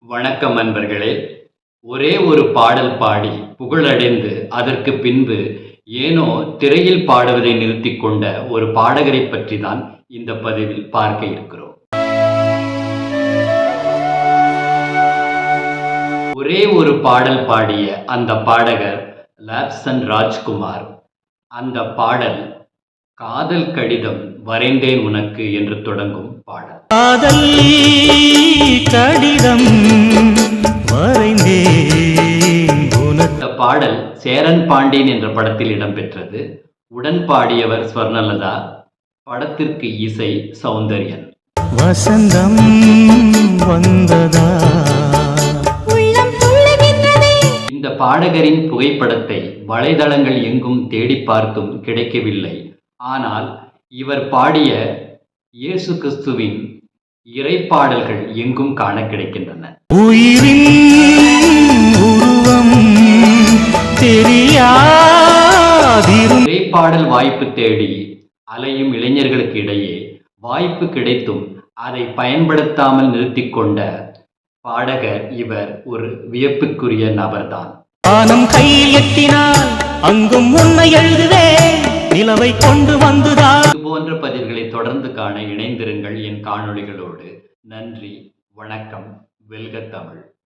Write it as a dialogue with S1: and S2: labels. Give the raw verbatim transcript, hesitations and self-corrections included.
S1: வணக்கம் நண்பர்களே. ஒரே ஒரு பாடல் பாடி புகழடைந்து அதற்கு பின்பு ஏனோ திரையில் பாடுவதை நிறுத்திக் கொண்ட ஒரு பாடகரை பற்றி தான் இந்த பதிவில் பார்க்க இருக்கிறோம். ஒரே ஒரு பாடல் பாடிய அந்த பாடகர் லாப்சன் ராஜ்குமார். அந்த பாடல் காதல் கடிதம் வரைந்தேன் உனக்கு என்று தொடங்கும் பாடல்.
S2: காதல் கடிதம் வரைந்தேன் உனக்கு.
S1: இந்த பாடல் சேரன் பாண்டியன் என்ற படத்தில் இடம்பெற்றது. உடன் பாடியவர் ஸ்வர்ணலதா. படத்திற்கு இசை சௌந்தர்யன்.
S2: வசந்தம் வந்ததா.
S1: இந்த பாடகரின் புகைப்படத்தை வலைதளங்கள் எங்கும் தேடி பார்த்தும் கிடைக்கவில்லை. ஆனால் இவர் பாடிய இயேசு கிறிஸ்துவின் இறைப்பாடல்கள் எங்கும் காண கிடைக்கின்றன.
S2: உயிரின் உருவம் தெரியாதிரும்.
S1: இறைப்பாடல் வாய்ப்பு தேடி அலையும் இளைஞர்களுக்கு இடையே வாய்ப்பு கிடைத்தும் அதை பயன்படுத்தாமல் நிறுத்திக் கொண்ட பாடகர் இவர் ஒரு வியப்புக்குரிய நபர்தான்.
S2: வானம் கையில் எட்டினால் அங்கும் உன்னை எழுதுவேன், நிலவை கொண்டு வந்துதான்.
S1: இது போன்ற பதிவுகளை தொடர்ந்து காண இணைந்திருங்கள் என் காணொளிகளோடு. நன்றி, வணக்கம். வெல்க தமிழ்.